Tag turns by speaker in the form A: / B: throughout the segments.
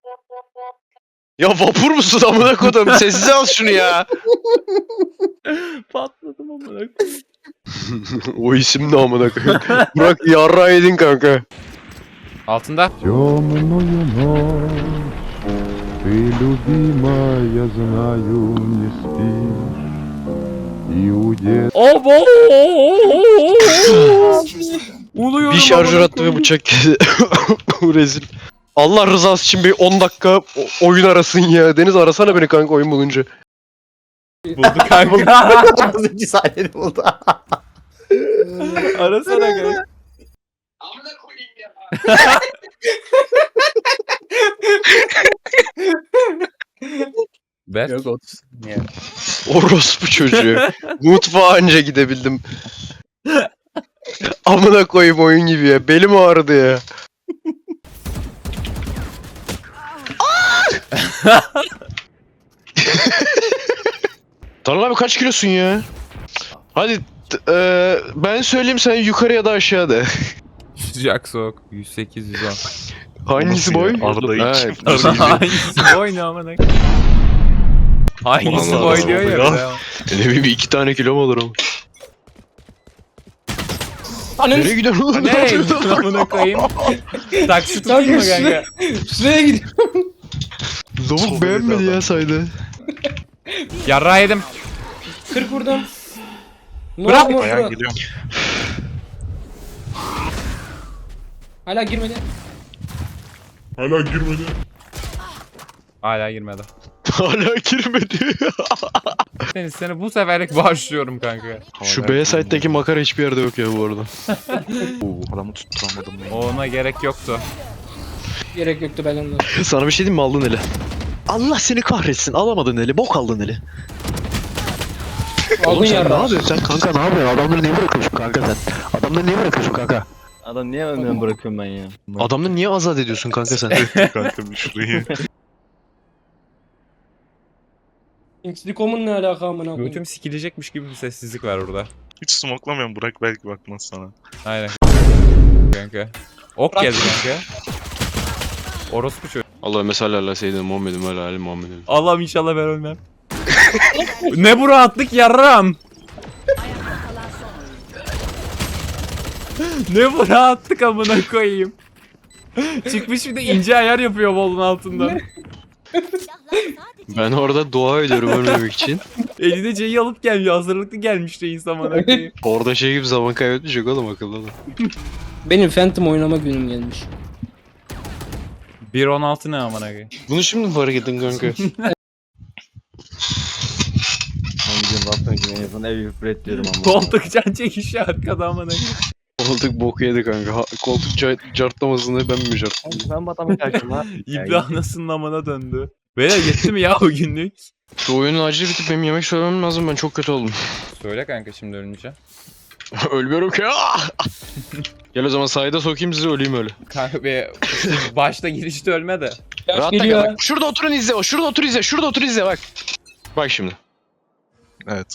A: Ya vapur musun amına kodum? Sessize al şunu ya.
B: Patladım amına.
A: O isim ne amına koyayım? Burak yarra yedin kanka.
B: Altında.
C: Темную ночь ты, любимая, знаю, не спишь. И удет
B: Abo! Uluyorum.
A: Bir şarjör
B: amına
A: attı ve
B: koyayım.
A: bıçak kesti. Rezil. Allah rızası için bir 10 dakika oyun arasın ya. Deniz arasana beni kanka oyun bulunca.
B: Buldu kanka.
D: Az önce sahneni buldu.
B: Arasana kanka. Ver.
D: Yok 30. Yani.
A: Orospu çocuğu. Mutfağa anca gidebildim. Amına koyayım oyun gibi ya. Belim ağrıdı ya. Tanrı abi kaç kilosun ya? Hadi ben söyleyeyim sen yukarı ya da aşağıda.
B: Sıcak soğuk. 108 110.
A: Hangisi boy?
E: Arada
A: Ha,
E: iki.
B: Hangisi boy ne amına? Hangisi
A: Vallahi
B: boy diyor ya.
A: ya.
B: bir de.
A: Ne bileyim 2 tane kilo mu olur ama?
F: Ananı
A: Nereye gidiyorsun oğlum?
B: Ne? Amına koyayım. Taksi tutayım mı kanka?
F: şuraya gidiyor.
A: Lavuk beğenmedi ya saydı.
B: Yarra yedim.
F: 40 vurdum. Ne
B: Bırak.
F: oldu mu?
E: Ayağa geliyorum.
F: Hala girmedi.
B: Hala girmedi.
A: Hala girmedi.
B: Seni bu seferlik bağışlıyorum kanka.
A: Şu B site'deki makara hiçbir yerde yok ya bu arada.
E: Adamı tutturamadım ben.
B: Ona gerek yoktu.
F: Gerek yoktu ben ondan.
A: Sana bir şey diyeyim mi aldın eli? Allah seni kahretsin alamadın eli bok aldın eli.
F: Aldın
A: Oğlum sen ne
F: yarra.
A: yapıyorsun sen kanka ne yapıyorsun adamları niye bırakıyorsun kanka sen? Adamları niye bırakıyorsun kanka?
D: Adam niye önden bırakıyorum ben ya?
A: Adamları niye azat ediyorsun kanka sen?
E: Kanka bir şurayı.
F: Inkslikom'un ne alaka amına koyayım?
B: Götüm sikilecekmiş gibi bir sessizlik var orada.
E: Hiç smoklamayan Burak belki bakmaz sana.
B: Aynen. Kanka. Ok geldi kanka. Orospu çocuğu.
A: Allah mesela seyyidina Muhammed'im ve ali Muhammed'im.
B: Allah'ım inşallah ben ölmem. Ne bu rahatlık yarram. Ne bu rahatlık amına koyayım. Çıkmış bir de ince ayar yapıyor bolun altından.
A: Ben orada dua ediyorum ölmemek için.
B: Eline C'yi alıp gelmiyor. Hazırlıklı gelmiş reis amına koyayım.
A: Orada şey gibi zaman kaybetmeyecek oğlum akıllı adam.
F: Benim Phantom oynama günüm gelmiş.
B: 1.16 ne amına koyayım.
A: Bunu şimdi mi fark ettin kanka?
D: Hangi bakın gibi yapın evi üfret diyorum ama.
B: Koltuk can çekişi arkada amına koyayım.
A: Koltuk bok yedi kanka. Koltuk cartlamasını ben mi cartladım?
D: Ben bu adamı kaçtım ha.
B: İbni anasının amına döndü. Beyler yetti mi ya o günlük?
A: Şu oyunun acil bitip benim yemek söylemem lazım ben çok kötü oldum.
B: Söyle kanka şimdi ölünce.
A: Ölmüyorum ki. Gel o zaman sahide sokayım sizi öleyim öyle.
B: Kanka be başta girişte ölme de.
F: Yaş
A: Rahat tak
F: geliyor.
A: bak. Şurada oturun izle o. Şurada otur izle. Şurada otur izle bak. Bak şimdi.
E: Evet.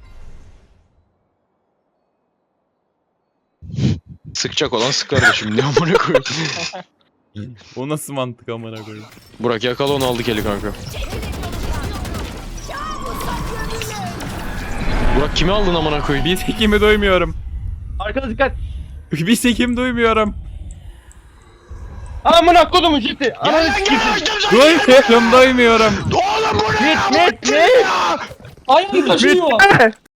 A: Sıkacak olan sıkar da şimdi. Ne amına koyayım.
B: O nasıl mantık amına koyayım?
A: Burak yakala onu aldık eli kanka. Burak kimi aldın amına koyayım?
B: Bir tekimi duymuyorum.
D: Arkada dikkat.
B: Bir tekim duymuyorum.
F: Amına kodumu ciddi. Ananı
B: Duymuyorum.
A: Oğlum bu ne?
D: Ne?
F: ayağım taşıyor.